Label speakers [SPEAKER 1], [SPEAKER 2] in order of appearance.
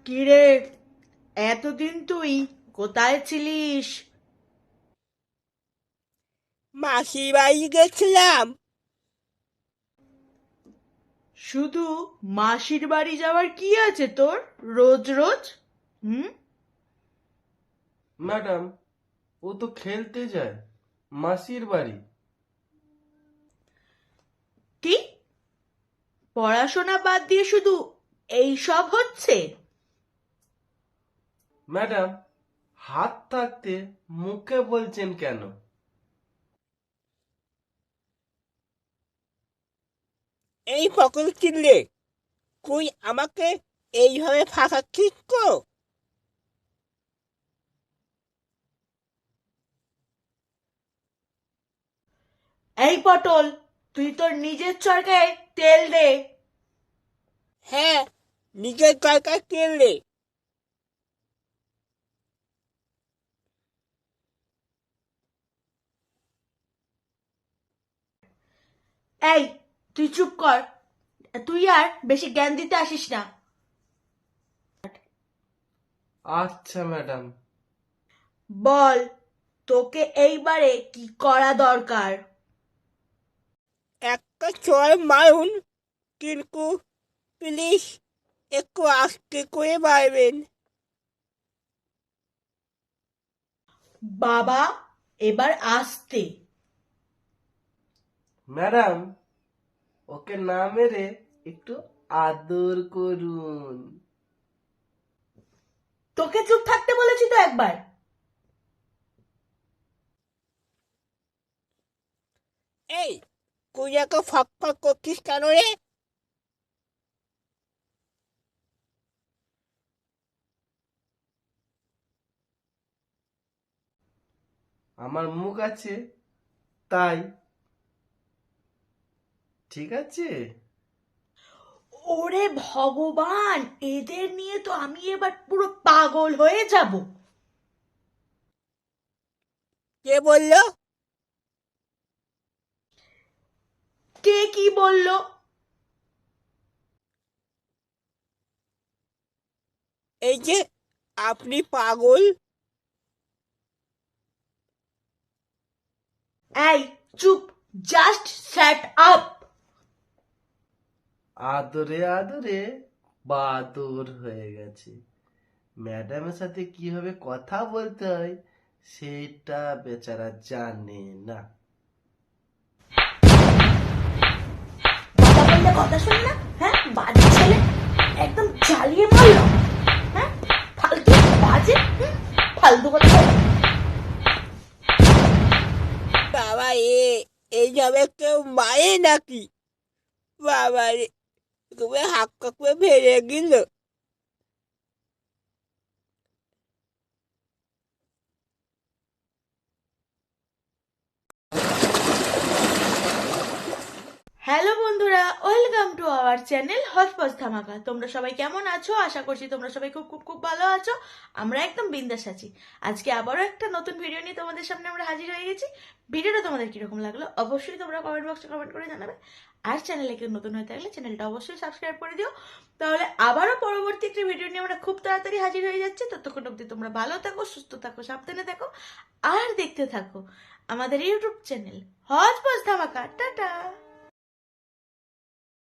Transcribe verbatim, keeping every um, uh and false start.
[SPEAKER 1] কিরে, এতদিন তুই কোথায় ছিলিস?
[SPEAKER 2] মাসির বাড়ি গেছিলাম।
[SPEAKER 1] শুধু মাসির বাড়ি যাওয়ার কি আছে তোর রোজ রোজ? হুম?
[SPEAKER 3] ম্যাডাম, ও তো খেলতে যায় মাসির বাড়ি।
[SPEAKER 1] কি? পড়াশোনা বাদ দিয়ে শুধু এই সব হচ্ছে?
[SPEAKER 3] ম্যাডাম, হাত থাকতে মুখে বলছেন কেন?
[SPEAKER 2] এই ফকল কিনলে তুই আমাকে এইভাবে ফাঁসাচ্ছিস তো?
[SPEAKER 1] এই পটল, তুই তোর নিজের চরকায় তেল দে।
[SPEAKER 2] হ্যাঁ, নিজের দরকার কিনলে।
[SPEAKER 1] এই, তুই চুপ কর। তুই আর বেশি জ্ঞান দিতে আসিস না।
[SPEAKER 3] আচ্ছা ম্যাডাম।
[SPEAKER 1] বল, তোকে এইবারে কি করা দরকার?
[SPEAKER 2] একটা চড় মারুন, কিন্তু প্লিজ একটু আস্তে করে মারবেন।
[SPEAKER 1] বাবা, এবার আসতে।
[SPEAKER 3] ম্যাডাম, ওকে না মেরে একটু আদর করুন।
[SPEAKER 1] তোকে চুপ থাকতে বলেছি তো একবার।
[SPEAKER 2] এই, তুই এত ফক ফক করছিস কেন রে?
[SPEAKER 3] আমার মুখ আছে তাই। ঠিক আছে।
[SPEAKER 1] ওরে ভগবান, এদের নিয়ে তো আমি এবার পুরো পাগল হয়ে যাব।
[SPEAKER 2] কে বললো?
[SPEAKER 1] কে কি বললো?
[SPEAKER 2] এই যে আপনি পাগল।
[SPEAKER 1] এই চুপ, জাস্ট শ্যাট আপ।
[SPEAKER 3] আদরে আদরে বাদর হয়ে গেছে। ম্যাডামের সাথে কিভাবে কথা বলতে হয় সেটা বেচারা জানে না।
[SPEAKER 1] কথা বললে কথা শুনি না? হ্যাঁ, বাজে ছেলে, একদম জ্বালিয়ে মারল। হ্যাঁ, ফালতু, বাজে, হুম, ফালতু কথা বলে।
[SPEAKER 2] বাবা, এ এইভাবে কেউ মারে নাকি? বাবা রে, তুমি হাক কাকুয়ে ফেলে গেল।
[SPEAKER 1] হ্যালো বন্ধুরা, ওয়েলকাম টু আওয়ার চ্যানেল হসপস ধামাকা। তোমরা সবাই কেমন আছো? আশা করছি তোমরা সবাই খুব খুব খুব ভালো আছো। আমরা একদম বিন্দাস আছি। আজকে আবারও একটা নতুন ভিডিও নিয়ে তোমাদের সামনে আমরা হাজির হয়ে গেছি। ভিডিওটা তোমাদের কিরকম লাগলো অবশ্যই তোমরা কমেন্ট বক্সে কমেন্ট করে জানাবে। আর চ্যানেলে কেউ নতুন হয়ে থাকলে চ্যানেলটা অবশ্যই সাবস্ক্রাইব করে দিও। তাহলে আবারও পরবর্তী একটি ভিডিও নিয়ে আমরা খুব তাড়াতাড়ি হাজির হয়ে যাচ্ছি। ততক্ষণ অবধি তোমরা ভালো থাকো, সুস্থ থাকো, সাবধানে থাকো, আর দেখতে থাকো আমাদের ইউটিউব চ্যানেল হসপস ধামাকা। টাটা।